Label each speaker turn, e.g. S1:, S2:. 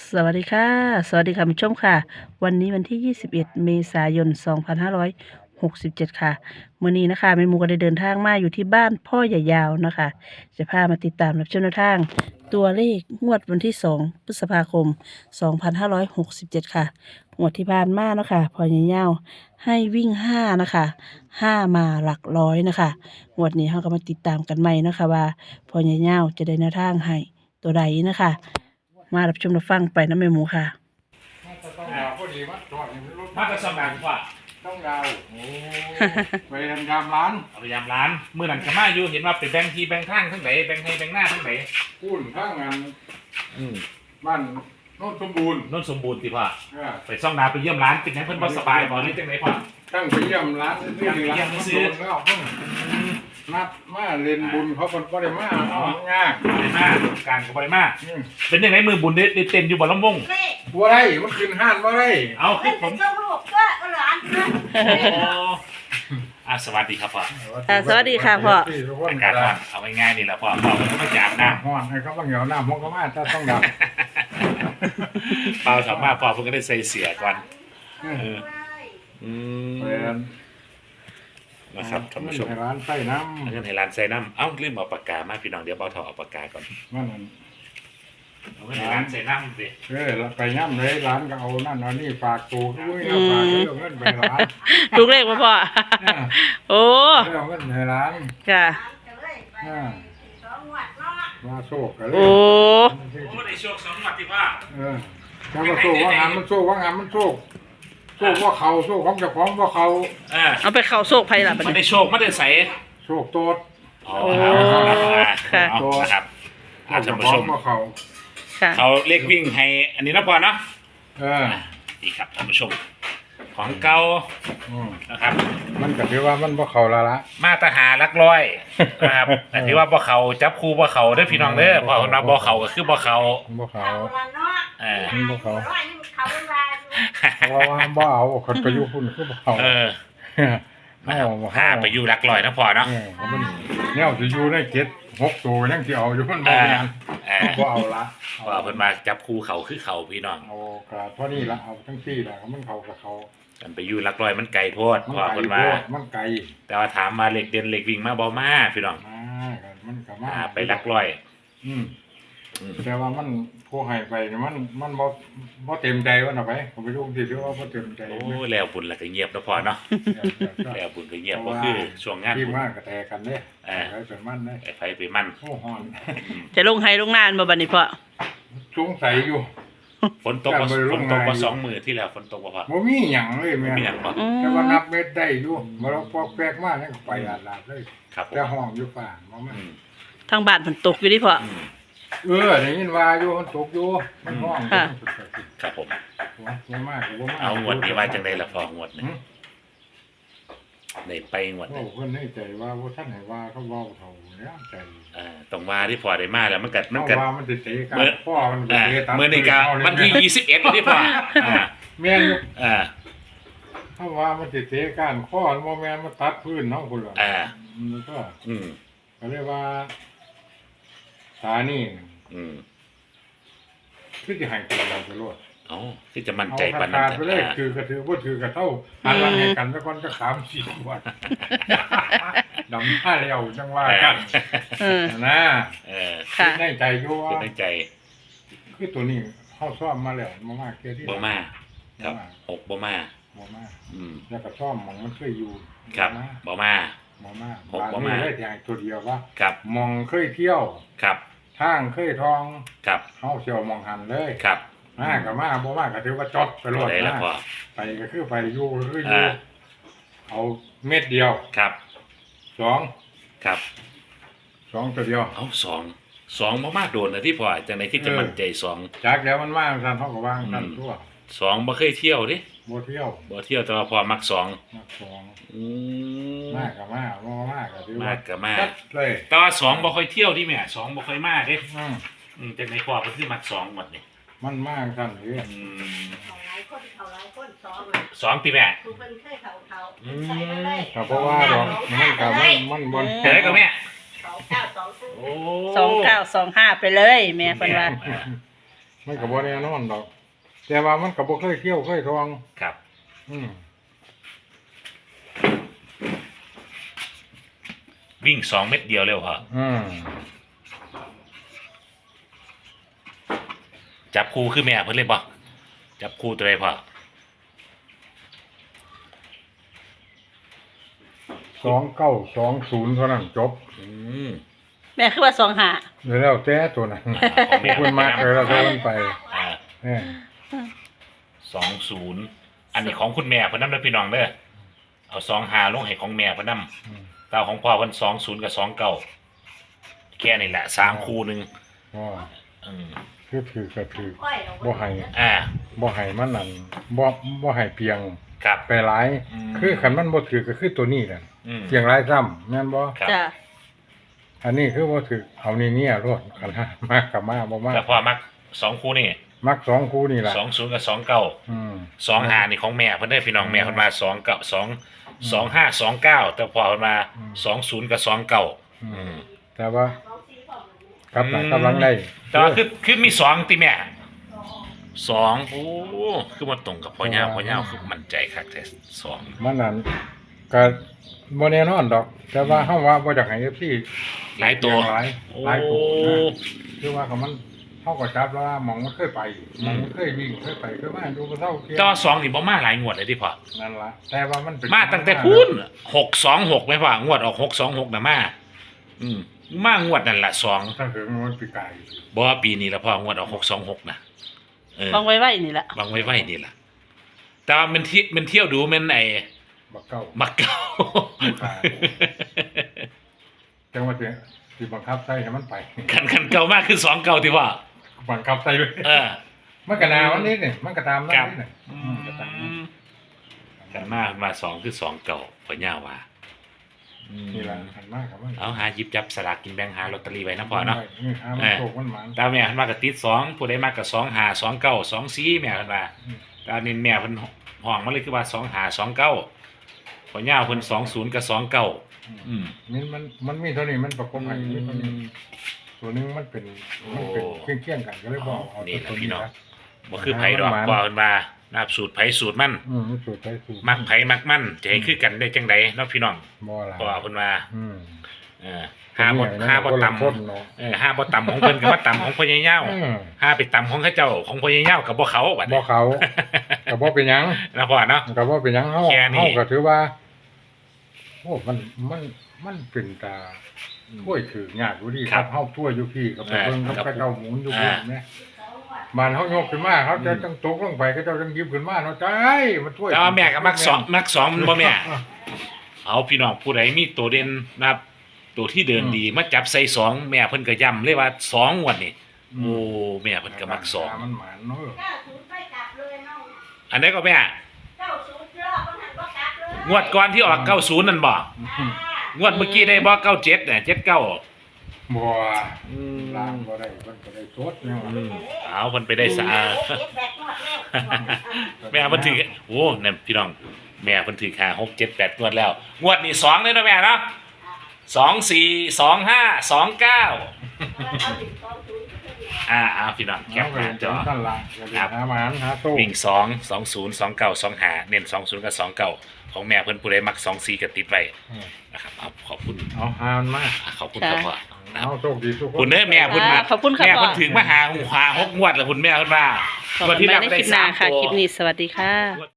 S1: สวัสดีค่ะสวัสดีค่ะผู้ชมค่ะวันนี้วันที่21เมษายน2567ค่ะมื้อนี้นะคะแม่หมูก็ได้เดินทางมาอยู่ที่บ้านพ่อใหญ่ยาวนะคะจะพามาติดตามรับชมแนวทางตัวเลขงวดวันที่2พฤษภาคม2567ค่ะงวดที่ผ่านมานะคะพ่อใหญ่ยาวให้วิ่ง5นะคะ5มาหลักร้อยนะคะงวดนี้เราก็มาติดตามกันใหม่นะคะว่าพ่อใหญ่ยาวจะได้แนวทางให้ตัวใดนะคะมารับชมรับฟังไปนะแม่หมูค่ะ
S2: ต้องดาวพอดีมัดจอดนี่มันรถ
S3: มาแต่สมัครว่า
S2: ต้องดาว
S3: โอ้
S2: ไปทำยามร้าน
S3: เอาพยายามร้านเมื่อนั้นก็มาอยู่เห็นว่าเป็นแบงค์ทีแบงค์ข้างทั้งไหนแบงค์ให้แบงค์หน้าทั้งไหน
S2: กุ้นข้างงาน
S3: อืม
S2: บ้านโน้นสมบูรณ์
S3: นนสมบูรณ์ติพ่อ
S2: เออ
S3: ไปซ่องนาไปเยี่ยมร้านเป็นยังเพิ่นบ่สบายบ่หรือจังไหนพ่อ
S2: ตั้งไปเยี่ยมร้านซื้อหนึ่งร้านมันโดนแล้วเพิ่งนัดมาเล่นบุญเขาคนก็ได้มาเอาง่าย
S3: ได้มาการก็บ่ได้มา
S2: อืม
S3: เป็นยังไงมือบุญได้เต้นอยู่บ่ลำวง
S2: บัวไรมันขึ้นห้านบัวไร
S3: เอาคือผม
S4: เจ้าลูกก็หลานนะ
S3: โอ้สวัสดีครับพ่อ
S1: สวัสดีค่ะพ่อ
S3: อากาศร้อนเอาง่ายๆนี่แหละพ่อพ่อก็ไม่จากน้ำ
S2: ห้อนให้เขาบางเหนียวน้ำห้องก็มาถ้าต้องดาว
S3: เปล่าถามมาพ่อเพิ่นก็ได้ใส่เสียก่อนอืม
S2: ไปร้าน
S3: นะครับท่านผู้ชม
S2: ให้ร้านใส่น้
S3: เอาเงินให้ร้านใส่น้ำเอ้าลืมเอาปากกามาพี่น้องเดี๋ยวเบาเถาเอาปากกาก่อน
S2: ำมันนั่น
S3: เอาเงินให้ร้านใส่น้ำสิ
S2: แล้วไปย่ำเลยร้านก็เอานั่นเอานี่ฝากตูด้วยเอาฝากเรื่องเงินไปร้าน
S1: ลูกเลขมาพ่อ โอ้
S2: เรื่องเงินให้ร้าน
S1: ค่ะ
S2: มาโชคกันเล
S1: โอ้
S2: ย
S3: โอ้ได้โชค2 งวดที่พ่อ
S2: แล้วก็โชคว่างานมันโชคว่างานมันโชคโชคว่าเขาโชคของเจ้าของว่าเขา
S1: เอาไปเข้าโซกไพ่ละบัด
S3: มัน
S1: นี้
S3: ได้โชคมันได้ใส่
S2: โชคโตด
S3: อ๋อ
S1: ค่ะ
S3: เอานะครับ
S2: โช
S3: ท่า
S2: คน เจ้า
S3: ผู้
S2: ขอ
S3: ช
S2: ง
S3: ม
S2: ว่าเขา
S1: ค่ะ
S3: เขาเรียกวิ่งให้อันนี้นะพ่อเนาะ
S2: เออ
S3: นี่ครับท่านผู้ชม ของเก่านะครับ
S2: มันก็ถือว่ามันว่าเขาละละ
S3: มาตรหาลักร้อยนะครับแต่ที่ว่าบ่เขาจับคู่บ่เขาเด้อพี่น้องเด้อพอคนว่าบ่เขาก็คือบ่เขา
S2: ว่าเขา
S4: เขา
S2: เพราะว่าบ่เอาคนไปอยู่คุณคือบ่เขา
S3: เออห้าไปอยู่ลักร้อยนะพ่อเนาะ
S2: มันเนี่ยจะอยู่ได้7 6 ตัวยังสิเอาอยู่มันบ่งานบ่เอาละ
S3: ว่าเพิ่นมาจับคู่เขาคือเขาพี่น้อง
S2: เอากระเท่านี้ละเอาทั้งที่ละมันเขากับเขา
S3: กันไปอยู่ลักร้อยมันไกลโพด
S2: มัน
S3: พ่อ
S2: ไกล
S3: เพิ่น
S2: โพ
S3: มา
S2: ดมันไกล
S3: แต่ว่าถามมาเหล็กเด่นเหล็กวิ่งมาบ่มาพี่น้อง
S2: มากันมันก็มา
S3: ไปลักร้อย
S2: อืม
S3: อืม
S2: แต่ว่ามันผู้ให้ไปเนี่ยมันบ่เต็มใจว่าน่ะไปผมไปดูที่ที่ว่าบ่เต็มใจ
S3: โอ้แล้วบุญแล้วก็เงียบแล้วพอเนาะแล้วบุญก็เงียบก็คือช่วงงาน
S2: ที่
S3: บุญ
S2: มากก็แตกกันเด้ใครเป็นมันเด้
S3: ไอ้ไฟไปมั่น
S2: โอ้ฮ้อน
S1: จะลงไห้ลงนานบ่บัดนี้พ่อ
S2: สงสัยอยู่
S3: ฝนตกมา2 มื้อที่แล้วฝนตกบ่พอ
S2: บ่มีหยังเลยแม่
S3: มีหยังบ่
S1: อื
S2: แต่ว่าม นับเม็ดได้อยู่บ่ลองปอกแปลกมากนี่ก็ไปลาดเลย
S3: ครับผม
S2: แต่ห้องอยู่ป่าบ่มา
S3: อืม
S1: ทางบ้านฝนตกอยู่ดิพ่อ
S3: อืม
S2: ได้ยินว่าอยู่มันตกอยู่มันห้อง
S1: ค่ะ
S3: ครับผม
S2: บ่มากก็บ่มาก
S3: เอางวดนี้ว่าจังได๋ล่ะพองวดนี้ได้ไปงวด
S2: โอ้
S3: นี้
S2: เพิ่นให้ใจว่าบ่ทันให้ว่าเขาเว้าเท่าแล้วใจ
S3: ต้องว่าที่พอได้มาแล้วมันก็
S2: เพราะว่ามันสิเตะกันพ่อมันสิเตะตาม
S3: มื้อนี้ก็วันที่21ที่พออ่า
S2: แม่นอยู่
S3: อ่า
S2: เพราะว่ามันสิเตะกันข้อมันบ่แม่นมันตัดพื้นเนาะพุ่นล่ะ
S3: อ่า
S2: มันก็
S3: อืม
S2: ก็เรียกว่าตานี่
S3: อืม
S2: คือสิให้ตัวเราไปโลด
S3: เอ้าที่จะมั่น
S2: เอา
S3: ใจปาน
S2: ขา
S3: นั้น
S2: ดไปเลยคือกระถือบ่ถือกระเท่าหันหลังให้กันแล้วก่อนจะ3-4วันดำหน้าแล้วจังว่ากัน
S1: เออ
S2: นะ
S3: เออ
S1: ค่ะ
S2: ในใจอยู่ว่า
S3: คิดในใจ
S2: คือตัวนี้เฮาซ้อมมาแล้วบ่มาเกี่ยวที่
S3: บ่มาครับ6บ่มา
S2: บ่มา
S3: อืม
S2: แล้วก็ซ้อมหมองมันเคยอยู่
S3: ครับบ่มา
S2: บ่มา
S3: หกบ่มา
S2: บ้นนี้ได้อย่างตัวเดียวว่า
S3: ครับ
S2: หมองเคยเที่ยว
S3: ครับ
S2: ทางเคยทอง
S3: ครับ
S2: เฮาสิเอาหมองหันเลย
S3: ครับ
S2: มาก็มาบ่มาก็ถือว่าจดไปโล
S3: ตัว
S2: ด
S3: ใดล่ะ
S2: นะ
S3: พ่อ
S2: ไปก็คือไปอยู่ก็คืออยู่
S3: อ่า
S2: เอาเม็ดเดียว
S3: ครับ
S2: สอง
S3: ครับ
S2: ตัวเดียว
S3: เอา2บ่มาโดนนะที่พ่อจังได๋คือจะมั่นใจ2
S2: จากแล้วมันมาซั่นเฮาก็วางซั่นทั่ว
S3: 2บ่เคยเที่ยวดิ
S2: บ่เที่ยว
S3: บ่เที่ยวแต่ว่าพ่อมัก2
S2: มาสอง
S3: อืม
S2: มาก็มาบ่มาก็ถือ
S3: มา
S2: ว่า
S3: ก็มา
S2: จัดเลย
S3: แต่ว่า2บ่ค่อยเที่ยวดิแม่2บ่ค่อยมาเด้
S2: อืม
S3: จังได๋พ่อเพิ่นคือมัก2หมดนี่
S2: มันมาซั่นเด้
S3: อืม
S4: เขาหลายคนซ้อม
S3: 2ติแม่
S4: คือเป็นเคยเขาใส่มาเลย
S2: ก็เพราะว่าดอกมันก็มันบ่
S3: เฮ็ดได้ก็แม่
S4: 2 9 2
S3: โอ้
S1: 2925ไปเลยแม่เพิ่นว่า
S2: มันก็บ่แน่นอนดอก แต่ว่ามันก็บ่เคยเที่ยวเคยทอง
S3: ครับ
S2: อืม
S3: วิ่ง2 เม็ดเดียวเร็วพอ
S2: อืม
S3: จับคู่คือแม่เพิ่นเลยบ่จับคู่ตัวใดพอ
S2: 2920เท่านั้นจบ
S3: อืม
S1: แม่คือว่า2หา
S2: แล้วแต่ตัวนั้น
S3: ของแม่
S2: คุณมากเลยแล้วแต่มันไป
S3: อ่า
S2: เอ้ย
S3: 20อันนี้ของคุณแม่เพิ่นนำเด้อพี่น้องเด้อเอา25ลงให้ของแม่เพิ่นนำ
S2: อืม
S3: ตาของพ่อเพิ่น20กับ29แค่นี้แหละ3คู่หนึง
S2: อ๋อ
S3: อืม
S2: คือถือก็ถือ
S4: ค่อยเรา
S2: บ่ให้
S3: อ่า
S2: บ่ให้มันนั่นบ่ให้เพียง
S3: ครับ
S2: ไปหลาย
S3: อืม
S2: คือคันมันบ่ถือก็คือตัวนี้นั่น
S3: อืม
S2: เพียงหลายซ้ำแม่นบ่
S3: ครับ
S1: จ้ะ
S2: อันนี้คือบ่ถือเอานี่เนี่ยรวดคันหามากกับมาบ่มา
S3: แต่พ่อมัก2คู่นี่
S2: มักสองคู่นี่ล่ะ
S3: 20กับ29
S2: อืม
S3: 25นี่ของแม่เพิ่นได้อพี่น้องแม่เพิ่นมา2กับ2 25 29แต่พ่อเพิ่นมา20กับ29อืม
S2: แต่ว่า
S4: เราซีของ
S2: กับหลังกำลังได้
S3: แต่ว่าคือมี2ติแม่2โอ้คือมันตรงกับพ่อย่าคือมั่นใจคักแท้2
S2: มันนั่นก็บ่แน่นอนดอก แต่ว่าเฮาว่าบ่อยากให้ FC
S3: หลายตัว
S2: หลายตัวนะคือว่าเขามันเฮาก็จับแล้วว่าหมองมันเคยไปหมองมันเคยวิ่งเคยไปเคยมาดูบ่เท่าเทียม
S3: แต่ว่า2นี่บ่มาหลายงวดเลยที่พ่อ
S2: นั่นล่ะแต่ว่ามันเป็น
S3: มาตั้งแต่พูน626ไหมพ่องวดออก626น่ะมาอืมมางวดนั่นล่ะ2
S2: ตั้งแต่มันปีกาย
S3: บ่ว่าปีนี้ละพ่องวดออก626น่ะ
S1: ฟังไว้นี่แหละ
S3: วางไว้นี่ล่ะแต่ว่ามันเที่ยวดูมันไอ้
S2: บักเก้า
S3: มักเก่า
S2: จังว่าสิบังคับใส่ให้มันไป
S3: คันเก่ามากคือ2เก่าที่ว่า
S2: บังคับใส่เลย
S3: เออ
S2: มันก็นาวันนี้นี่มันก็ตามนั้น
S3: ครับ
S2: นี่ก็ตามนั้น
S3: กันมา2คือ2เก่าพ่อย่าว่าอืม
S2: นี่ล่ะหันมากครับมัน
S3: เอาหาหยิบจับสลากกินแบ่งหาลอตเตอรี่ไว้นะพ่อเนาะ
S2: นี่หามันโชคมันหมาน
S3: ตาแม่เพิ่นมาก็ติด2ผู้ใดมาก็2 5 2 9 2 4แม่เพิ่นว่า
S2: อืม
S3: ตานี่แม่เพิ่นห้องมาเลยคือว่า2 5 2 9พ่อย่าเพิ่น20กับ29อืม
S2: มันมีเท่านี้มันประกบให้มีเท่านี้ตัวนึงมันเป็นเคี่ยงๆกันก็เลยบอกเอา
S3: นี่
S2: ตัว
S3: ล่ะพี่
S2: นี้
S3: น้อง
S2: นะ
S3: บ่คือไผดอกว่าเพิ่นว่านะครับสูตรไผสูตรมัน
S2: มันสูตรไปสูตร
S3: มักไผมักมันจะให้คือกันได้จังไดเนาะพี่น้อง
S2: บ่ล่ะ
S3: เพราะว่าเพิ่นว่า
S2: อืม
S3: ห้าบ่ต่ำ
S2: คนเนาะ
S3: ห้าบ่ต่ำของเพิ่นก็บ่ต่ำของพ่อใหญ่เย้า
S2: อืม
S3: ห้าไปต่ำของเขาเจ้าของพ่อใหญ่เย้าก็บ่เขาบัด
S2: บ่
S3: นี้
S2: เขาก็บ่เป็นหยัง
S3: นะพ่อเนาะ
S2: ก็บ่เป็นหยังเฮา
S3: แค่นี้
S2: เฮาก็ถือว่าโอ้มันเป็นตาถ้วยถือยากอยู่ดีครับเฮาถ้วยอยู่พี่ก็ไปเบิ่งเขาเจ้าหมุนอยู่พุ่นแม่บ้านเฮายกขึ้นมาเขาจะต้องตกลงไปเขาเจ้าต้องหยิบขึ้นมาเนาะจ้ายมันถ้วย
S3: แต่ว่าแม่ก็มักสองมันบ่แม่เอาพี่น้องผู้ใดมีตัวเด่นนะครับตัวที่เดินดีมาจับใส่สองแม่เพิ่นก็ย้ำเลยว่า2งวดนี่โอ้แม่เพิ่นก็มักสอง
S2: มันหมานเนาะ
S4: 90ไปกลับเลยน้อง
S3: อันนี้ก็แม่
S4: 90รอบมันหันก็กลับเลย
S3: งวดก่อนที่ออก90นั่นบ่งวดเมื่อกี้ได้บ่97น่ะ79
S2: บ่
S3: อืม
S2: ล้างบ่ได้เพิ่นก็ได้สดเนี่ยว่ะ
S3: เอาเพิ่นไปได้สะอาด แม่เพิ่นถือโอ้นั่นพี่น้องแม่เพิ่นถือค่า6 7 8งวดแล้วงวดนี้2เลยเนาะแม่เนาะ2 4 2 5 2 9พี่น้องแคปหน้าจอ
S2: นั่นล่ะอย่าไปหาหมานหาโต้
S3: วิ่ง2 20 29 25เน้น20กับ29ของแม่เพิ่นผู้ใดมัก24ก็ติดไว้นะครับเอาขอบคุณ
S2: เอาหามันมา
S3: ขอบคุณครับพ่อนะค
S2: เอา
S3: รับ
S2: โชคดีทุกคน
S3: คุณเด้อแม่เพิ่นมา
S1: ขอบคุณครับ
S3: แม่เพิ่น
S1: พ่อ
S3: ถึงมาหา6งวดแล้วคุณแม่เพิ่นว่า
S1: ขอบคุณมากในคลิปหน้าค่ะ คลิปนี้สวัสดีค่ะ